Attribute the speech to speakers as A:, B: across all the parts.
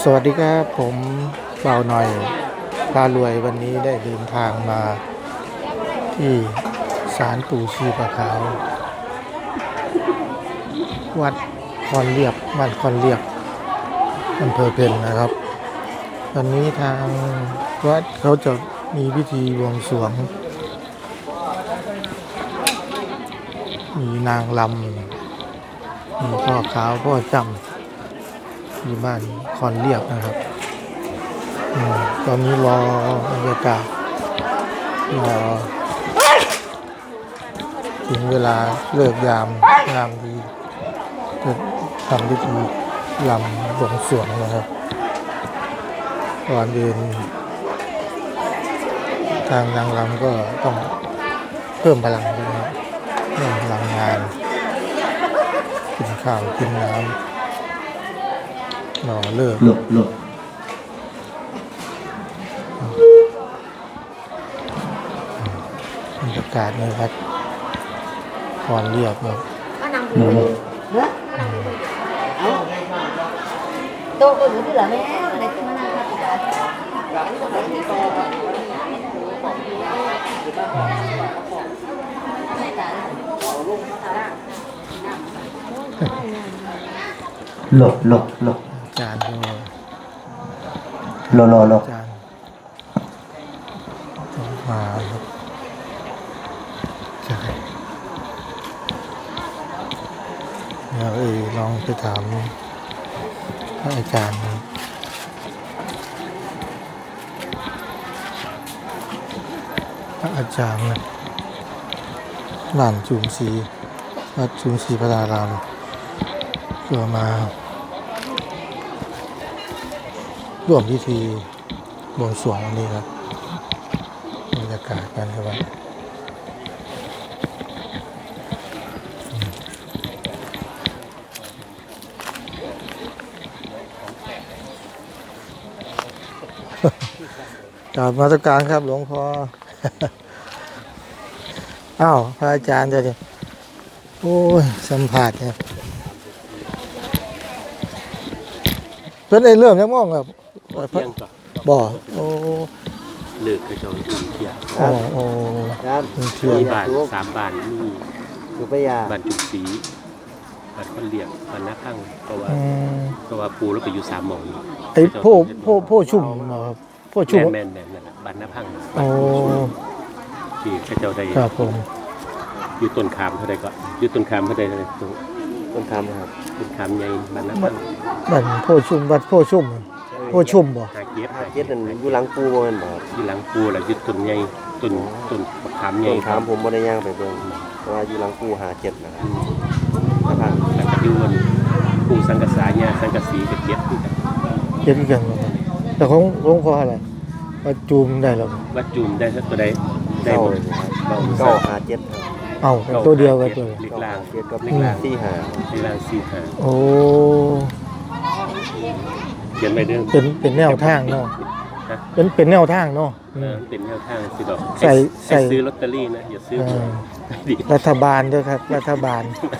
A: สวัสดีครับผมเบาหน่อยพารวยวันนี้ได้เดินทางมาที่ศาลปู่ชีพะขาววัดคอนเรียบบ้านคอนเรียบอำเภอเพ็ญนะครับวันนี้ทางวัดเขาจะมีพิธีบวงสรวงมีนางลำมีพ่อขาวพ่อจำอยู่บ้านคอนเรียบนะครับตอนนี้รอบรรยากาศรอถึงเวลาเลิกยามดีจะทำพิธีลำบวงสรวงนะครับก่อนเดินทางนางลำก็ต้องเพิ่มพลังด้วยนะเพิ่มพลังงานกินข้าวกินน้ำรอเลิกบรรยากาศในวัดคอนเรียบครับ
B: โตก็อยู่ที่หลังแม่อะไรที่มันน่ารัก
C: หลบ
A: จานก็จานมาครับใช่เดี๋ยวลองไปถามพระอาจารย์นะหลานจุมศรีวัดจุมศรีพระรารามเพื่อมาร่วมพิธีบวงสรวงวันนี้ครับบรรยากาศกันครับกราบนมัสการครับหลวงพ่อ อ้าวพระอาจารย์จะโอ้ยสัมผัสเนี่ยเพิ่นได้เริ่มยังมองครับบ่โอ้
D: เลิกกระจองเที่ยว
A: โอ้
D: ครับมีบ้าน3 บ้านมี
C: อยู่ปยา
D: บ้านจุกศรีบ้านคนเรียบบ้านนาข้างเพราะว่าปูแล้วไปอยู่3 หม่อง
A: ไอ้โพชุ่มครับโพชุ่ม
D: แม่นนั่นแหละบ้านนาพัง
A: โอ้
D: ที่กระเจ้าได้
A: ครับผม
D: อยู่ต้นขามเท่าใดก็อยู่ต้นขามเท่าใด
C: ต้นคำครับ
D: ต้นขามใหญ่บ้านนาพัง
A: บ้านโพชุ่มวัดโพชุ่มบ่
C: หาเก็ดนั่นอยู่หลังปูบ่แม่นบ่
D: อยู่หลังปูแล้วอยู่ต้นใหญ่ต้นมะขามใหญ่
C: ต้นขามผมบ่ได้ย่างไปเบิ่งเพราะว่าอยู่หลังปูหาเก็ดนะครับ
D: แล้วก็อยู่บนปูสังกะสาญาสังกะสีกับเก็ดคือกัน
A: เก็ดกันแต่ของหลวงพ่ออะไรวัดจูมได้แล้ว
D: วัดจูมได้สักตัวใดได้หมด
C: ก็หาเก็ด
A: ตัวเดียวกันตัว
D: ลิกลาง
C: เก็ดกับลิกลาง
D: 4-5
A: โอ้
D: เขียนไปเรื่อง
A: เป็นแนวทางเนาะเป็นแนวทางเนาะ
D: เป็นแนวทางสิดอก
A: ใส่
D: ซื้อลอตเตอรี่นะอย่าซื้อ
A: รัฐบาลด้วยครับรัฐบาล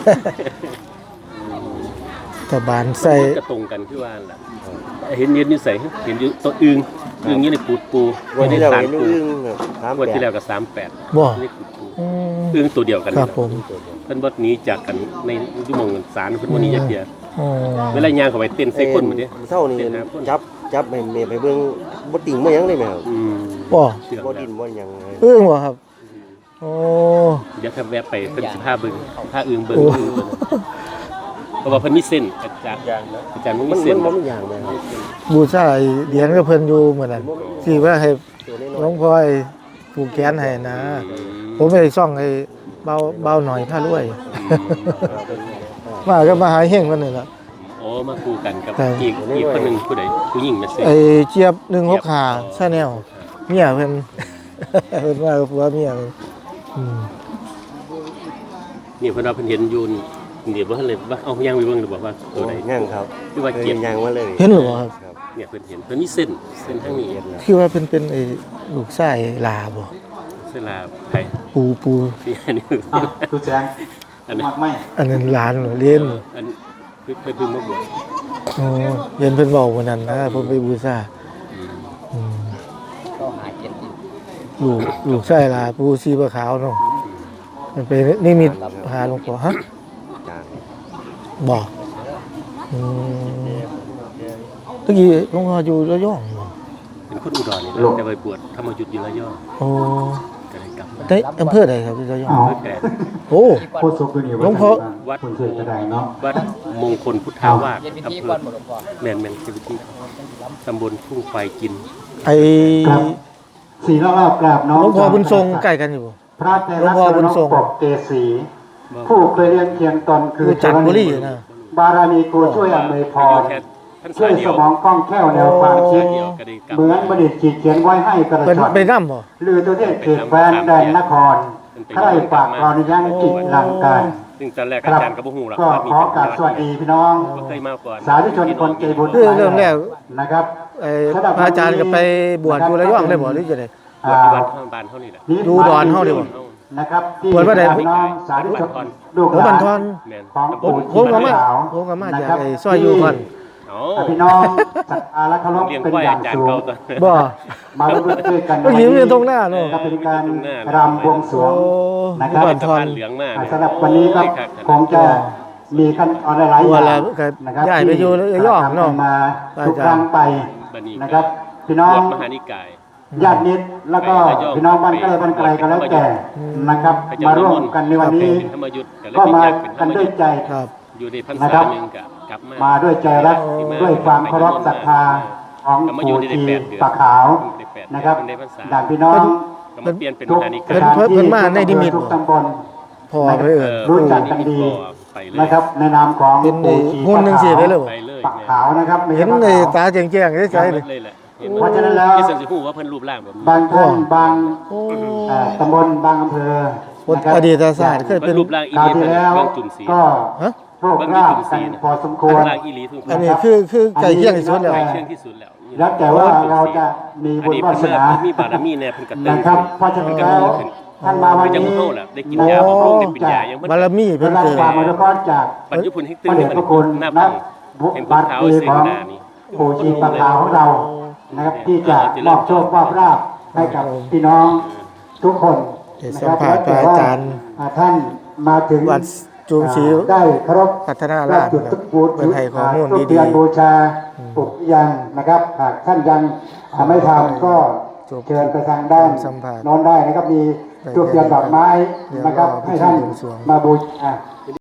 A: ใส่
D: กระตรงกันคือว่าล่ะเห็นอยู่ใส่เห็นอยู่ตัวอึ่งอยู่ในปู
C: วันที่แล้วเห็นอึ่ง
D: วันที่แล้วก็38
A: บ่
D: นี่อึ่งตัวเดียวกัน
A: ครับผม
D: เพิ่นบ่หนีจากกันในชั่วโมงศาลเพิ่นบ่หนีจากเดียวเวลาย่างเข้าไปเต้นใส่คนหมดนี่
C: เท่านี้จับให้แม่ไปเบิ่งบ่ติ่งบ่หยังได้แม่ครับบ่ดินบ่หยัง
A: อึ่งบ่ครับโอ้
D: เดี๋ยวถ้าแวะไปเพิ่นสิพาเบิ่งพาอึ่งเบิ่งเพราะว่าเพิ่นมีเส้นอาจารย์มีเส้น
C: มันมีอย่างแม่ครับ
A: บูชาเหรียญกับเพิ่นอยู่เหมือนนั้นที่ว่าให้หลวงพ่อผูกแขนให้นะผมไปซ่องไอ้เบาหน่อยพารวยมาก็มาหาเฮงคนนึงล่ะ
D: มาคู่กันกับอีกคนนึงผู้ใดผู้หญิงมาเส
A: ไอ้เจี๊ยบ165 Channel เมียเพิ่นว่าผัวเมีย
D: นี่เพิ่นว่าเพิ่นเห็นอยู่เดี๋ยวบ่ทันเลยว่าเอาย่างไปเบิ่งหรือว่าตัวใด
C: ย่างครับ
D: คือว่าเก็บ
C: ย่างมาเลย
A: เห็นหรือครับ
D: เนี่ยเพิ่นเห็นเพิ่นมีเส้นทางนี้
A: คือว่าเป็นไอ้ลูกชายลาบ่
D: เส้นลาไผ
A: ปู
D: ที่อันนี้
C: คือแจ้งอันนั้น
A: หลานเรียน
D: อันเพิ่นมาบวช
A: โอ้เย็นเพิ่นเว้าวันนั้นนะเพิ่นไปบูชาอืม
B: ก็หาเจ็ดอยู่
A: ลูกชายล่ะปู่ชีพขาวเนาะมันไปนิมิตหาหลวงพ่อฮะ
C: จาง
A: บ่อืมตะกี้หลวงพ่ออยู่ระยองบ่
D: เป็นคนอุดรนี่นะแต่ไปบวชธรรมยุทธ์อยู่ระยอง
A: โอ้
D: ก็เลยกลับมา
A: ได้อำเภอใดครับที่ระยอง
D: เพื่อแก่
A: โอ้
E: โคตรสุขนี่
A: หลวงพ่อ
D: วัด
E: คนเกิดกระไดเนาะ
D: วัดมงคลพุทธาวาส
B: เย็นพิ
D: อำ
B: ธี
D: เภ
B: ก่อ
D: อน
B: หมดหลวงพ่อ
D: แม่นพิธีตำบลทุ่งไฟกิน
A: ไอ้
E: ครับสี่รอบกราบน้อง
A: หลวงพ่อบุญทรงใกล้กันอยู่บ่
E: พระเท
A: หลว
E: ระ
A: งพ่อบุญทรง
E: ปกเกษีผู้เคยเรียนเคียงตนคือ
A: อยู่จันทบุรีนะ
E: บารมีกูช่วยอำนวยพ
D: อยู่
E: ร
D: แค่ท่าน
E: ช่ว
D: สาย ยเดี
E: ส
D: ยว
E: มองคล่องแคล่วแนวความคิด
D: เดียวก็ได้กลับ
E: เหมือนบัณฑิตขีดเขียนไว้ให้กระ
A: เพิ่น
E: ชอน
A: ไปนำบ่
E: ลือตัวเทศเขตแคว้นแดนนครใครฝากกรอนยังจิตหลังการ
D: ซึ่งตอนแรก
E: ค
D: อา
E: รับ
D: จารย์ก็บ่ฮู้หรอก
E: ก็
D: ว่ามี
E: ขอกราบสวัสดีพี่น้อง
D: บ่เคยมาก่อน
E: สาธุชนคนใจบุญ
A: คือเริ่มแรก
E: นะครับ
A: ไอ้พระอาจารย์ก็ไปบวชอยู่ระยองได้บ่หรือจังได๋
D: บวชที่วัดข้างบ้านเท่านี้แหละ
A: ดูดอนเฮาดีกว่า
E: นะครับที่
A: บวชว่าใด
E: พี่น้องสาธุชนลูก
A: เออ
E: ห
A: บั
E: ลาน น
A: ทอน
D: แม่น
E: ของ
A: ผม
E: ปู่
A: ผมก็มา
E: ขาว
A: ผมก็มาจาก
E: นะครับ
A: ไอ้ซอยอยู่ก่อน
D: อ๋อ
E: พี่น้องศรัทธาและเคารพ
D: เลี้ยง
E: เป็น
D: ควาย
E: อย่าง
D: อาจารย์
E: สูง
D: เก่าตอน
A: บ่
E: มาร่วมด้วยกัน
A: เมื่อกี้มันอยู่ตรงหน้าเนอะ
E: ก็เป็นการ
D: ตรงหน้า
E: รำบวงสรวง
A: โอ้
E: นะครับ
A: บันทอน
D: เหลืองมาก
E: สำหรับวันนี้ครับคงจะมีขั้นตอนหลายๆอ
A: ว่า
E: ย่าง
A: แล้วก็
E: นะครับ
A: ย้ายไปอยู่ระยองเนอะ
E: ทำมาทุกครั้งไป
D: บัดนี้
E: นะครับ พี่น้อบ ง
D: วชมหานิกาย
E: ญาติมิตรแล้วก็พี่น้องบ้านใกล้บ้านไกลก็แล้วแต่นะครับ มาร่วมกันในวันนี้
D: เป็นธรรมยุทธ์ก็เลย
E: ก็
D: เป็น
E: มา
D: อยากเป็นธร
E: กัน
D: รม
E: ด้ว
D: ยุ
E: ย
D: ทธ์
E: ใจ
A: ครับ
D: อยู่ในพรร
E: นะค
D: ษา
E: รับ
D: หนึงก็กลับมา
E: มาด้วยใจรักด้วยความเคารพศรัทธาของ
D: ก็มาอยู่
E: ปู่
D: ได้
E: ชี
D: 8 เดือน
E: ปะขาว
D: ได้8
E: นะครับ
D: เดือนได้พรรษา
E: ด่านพี่น้อง
D: ก็มาเปลี่ยนเป็น
E: ทุก
D: มหานิ
E: ส
D: กาย
E: ถานที่
A: เพิ่นมาในนิมิต
E: ทุกตำบล
A: พอไปเอิ้น
E: รู้จักกันดี
D: ไปเลย
E: นะครับในนามของ
A: เป็นไอ้
E: ปู่ชี
A: หุ่นจังซี่ไปเลยบ่
D: ไปเลย
E: ปะขาวนะครับไม่
A: เห็
E: ใช่
A: น
E: ปะ
A: ใน
E: ขาว
A: ตาแจ้งๆใสๆเลย
D: เลยแหละเห็น
E: เพราะฉะนั้นแล้ว
D: ที่สันสิฮู้ว่าเพิ่นรูปร่างแบบนี้
E: บางท่านบาง
A: โอ้
E: ตำบลบางอำเภอ
A: คน
E: นะครับ
A: อดีตศาสตร์เคย
D: เพิ่
A: เป็น
D: นรูปร่างอี
E: คราว
D: หลี
E: ที่
D: เพิ่น
E: แล้ว
D: เบิ่งจุ่มสี
E: ก็
A: ฮะ
E: โชคลาภกันพอสมคว
D: รู
E: ร
D: ปร่างอีหลีทุกค
A: อั
D: น
A: นนี้คือไก่เคียงที่สุดแล้ว
D: ใกล้เคียงที่สุดแล้ว
E: แล้วแต่ว่าเราจะมี
D: อั
E: บุ
D: น
E: ญ
D: นี้
E: วา
D: เพิ่น
E: ส
D: มา
E: นา
D: มีบารมีแน่เพิ่นก็เติม
E: นะครับเพราะฉะนั้น
D: เพิ่นก็
E: แล้ว
D: มีขึ้น
E: ท่านมาวัน
D: ยัง
E: นี้
D: บ่เฮาแหละได้กินยาบำรุงได้เป็นยายังบ่
A: บารมี
E: เป็
A: เพิ่
E: น
A: น
E: รับ
A: เกิด
E: ความอนุเคราะห์จาก
D: ปัจจุบันให้
E: พ
D: ตื่น
E: ระเดชพระคุณ
D: หน้า
E: นั
D: ปั
E: ก
D: ง
E: บุ
D: เป็น
E: บัตร
D: เท้า
E: ดี
D: เส
E: ของ
D: นานี่
E: ปู่ชีปะขาวของเรานะครับที่จะมอบโชคมอบลาภให้กับพี่น้องทุกคน
A: เดี๋ยว
E: นะ
A: สั
E: ค
A: ม
E: รับ
A: ภาษณ์พระอาจารย์
E: ท่านมาถึง
A: วัดจูงศรี
E: ได้เคารพ
A: พัฒนาราษฎร์
E: จุดทุกบูธ
A: เปิดให้ข้อมูล
E: ทุก
A: ดี
E: เดือนบูชาปลุกยังนะครับหากท่านยังไม่ทำก็
A: จบ
E: เชิญไปทางด้าน
A: สัมภาษณ์
E: โน้นได้นะครับมีทุกเดือนดอกไม้นะครับ
A: เดี๋ยวรอ
E: ให้ท่าน
A: พิธีบวงสรวง
E: มาบูชา